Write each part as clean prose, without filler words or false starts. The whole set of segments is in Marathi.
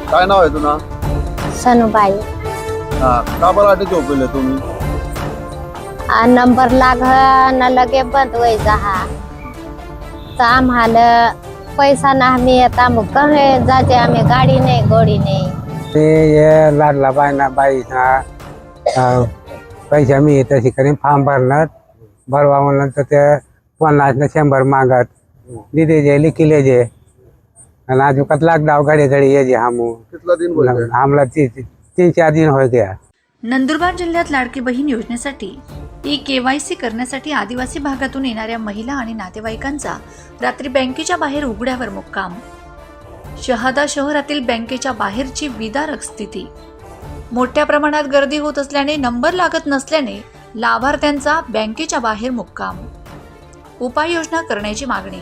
काय नाव आहे तुझं? सनुबाई. हा, का बरं आटे झोपले तुम्ही? नंबर लाग न लगे बंद होई जहा तर आम्हाला पैसा ना आम्ही आता मग कहे जाते आम्ही गाडी नाही गोडी नाही. ते ये लाडला बाई पैसा मी तशी करीन फॉर्म भरवा म्हणलं तर ते 50 न 100 मागत दिदे जे लिखिले जे आणि अजून लाख डाव घडी ये जे कितना दिन बोल गए? हमला 3-4 दिन हो गया. नंदुरबार जिल्ह्यात लाडकी बहीण योजनेसाठी KYC करण्यासाठी आदिवासी भागातून येणाऱ्या महिला आणि नातेवाईकांचा रात्री बँकेच्या बाहेर उघड्यावर मुक्काम. शहादा शहरातील बँकेच्या बाहेरची विदारक स्थिती. मोठ्या प्रमाणात गर्दी होत असल्याने नंबर लागत नसल्याने लाभार्थ्यांचा बँकेच्या बाहेर मुक्काम. उपाययोजना करण्याची मागणी.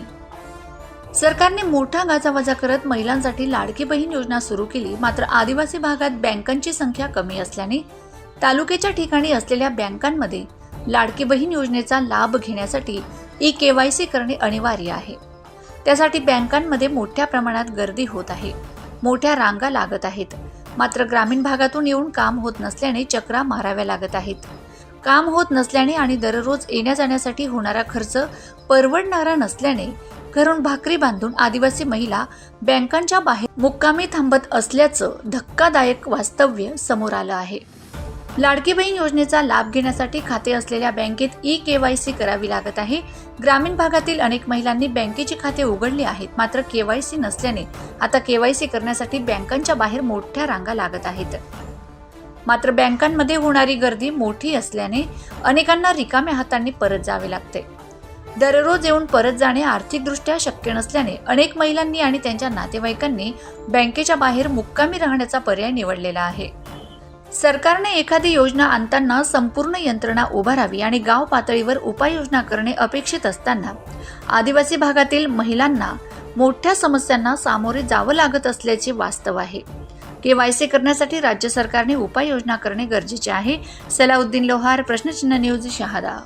सरकारने मोठा गाजावाजा करत महिलांसाठी लाडकी बहीण योजना सुरू केली. मात्र आदिवासी भागात बँकांची संख्या कमी असल्याने तालुक्याच्या ठिकाणी असलेल्या बँकांमध्ये लाडकी बहीण योजनेचा लाभ घेण्यासाठी KYC करणे अनिवार्य आहे. त्यासाठी बँकांमध्ये मोठ्या प्रमाणात गर्दी होत आहे. मोठ्या रांगा लागत आहेत. मात्र ग्रामीण भागातून येऊन काम होत नसल्याने चक्रा माराव्या लागत आहेत. काम होत नसल्याने आणि दररोज येण्या जाण्यासाठी होणारा खर्च परवडणारा नसल्याने घरून भाकरी बांधून आदिवासी महिला बँकांच्या बाहेर मुक्कामी थांबत असल्याचं धक्कादायक वास्तव्य समोर आलं आहे. लाडकी बहीण योजनेचा लाभ घेण्यासाठी खाते असलेल्या बँकेत KYC करावी लागत आहे. ग्रामीण भागातील अनेक महिलांनी बँकेची खाते उघडली आहेत. मात्र KYC नसल्याने आता KYC करण्यासाठी बँकांच्या बाहेर मोठ्या रांगा लागत आहेत. मात्र बँकांमध्ये होणारी गर्दी मोठी असल्याने अनेकांना रिकाम्या हातांनी परत जावे लागते. दररोज येऊन परत जाणे आर्थिकदृष्ट्या शक्य नसल्याने अनेक महिलांनी आणि त्यांच्या नातेवाईकांनी बँकेच्या बाहेर मुक्कामी राहण्याचा पर्याय निवडलेला आहे. सरकारने एखादी योजना आणताना संपूर्ण यंत्रणा उभारावी आणि गाव पातळीवर उपाययोजना करणे अपेक्षित असताना आदिवासी भागातील महिलांना मोठ्या समस्यांना सामोरे जावं लागत असल्याचे वास्तव आहे. KYC करण्यासाठी राज्य सरकारने उपाययोजना करणे गरजेचे आहे. सलाउद्दीन लोहार, प्रश्नचिन्ह न्यूज, शहादा.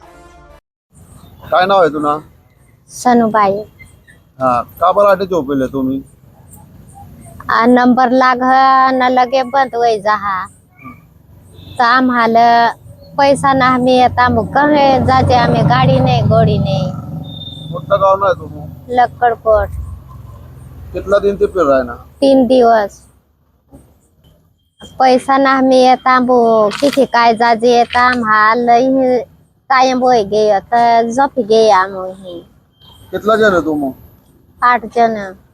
काय नाव आहे तुझं? सनुबाई. हा, का बरं आटे झोपले तुम्ही? नंबर लाग न लगे बंद होई जहा तर आम्हाला पैसा ना आम्ही आता मग कहे जाते आम्ही गाडी नाही गोडी नाही. कोणतं गाव नाही तुम्ही? लक्कडकोट. कितना दिन ते फिर रहा ना? 3 दिवस पैसा ना आम्ही येता किती काय जाजे येता आम्हाला कायम बोय गे तर झोपी गे आम्ही. कितना जण आहे तुम्ही? 8 जण.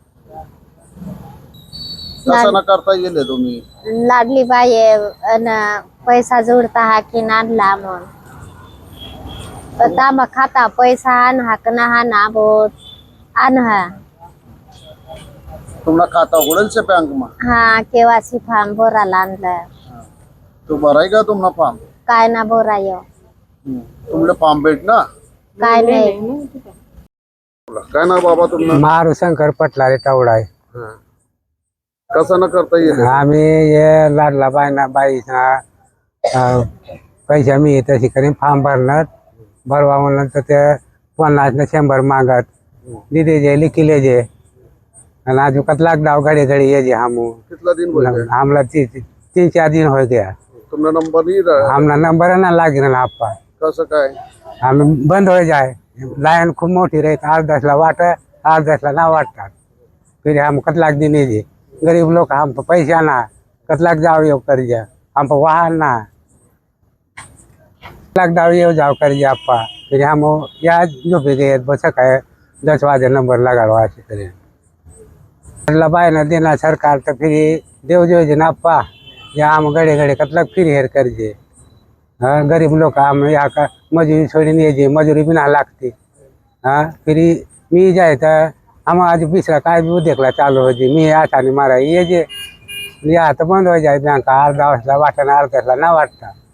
कसं न करता गेले तुम्ही? लाडली बाई पैसा जोडता हा की नाडला मग तांबा खाता पैसा आण हाक ना हा ना बोत आण हा. तुम्हाला खाता उघडेल से बैंक में? हा, KYC फॉर्म भरायला आणलं. तो भराय का तुम्हाला फॉर्म? काय ना भराय तुमले फॉर्म भेट ना? काय नाही. काय ना बाबा तुम्हाला? मारू शंकर पटलारे टावडा आहे. कसं न करता येईल? आम्ही ये लाडला बाई पैसा मी तशी करीन फॉर्म भरवा म्हणलं तर ते 50 न 100 मागत दिदे जे लिखिले जे आणि अजून लाख डाव घडी ये जे कितना दिन बोल गए? हमला 3-4 दिन हो गया. तुमने नंबर नहीं रहा? हमला नंबर ना लागे ना आपा कसं काय? आम्ही बंद हो जाए. लाईन खूप मोठी राहते. 8-10 वाट 8-10 ना वाटतात. फिर हम कतलाक दिन जे गरीब लोग हम पैसा ना कतलाक जाओ ये कर जा हम वाहन ना लाख डाव ये जाओ कर जा आपा. फिर हम या जो भी गए बस है 10 बजे नंबर लगा ऐसे करें बाय ना देना सरकार तो फिर देव जो ना आपा या हम गड़े कतलाक फिर हेर कर जे. हाँ, गरीब लोग हम यहाँ का मजूरी छोड़ी नहीं जे मजूरी भी ना लागती. हाँ, फिर मी जाए तो हम आज बिसरा काय भी देखला चालू हो जी मी आता नहीं मारा ये जे या तो बंद हो जाए बैंक 8-10 वाटना 8-10 ना वाटता.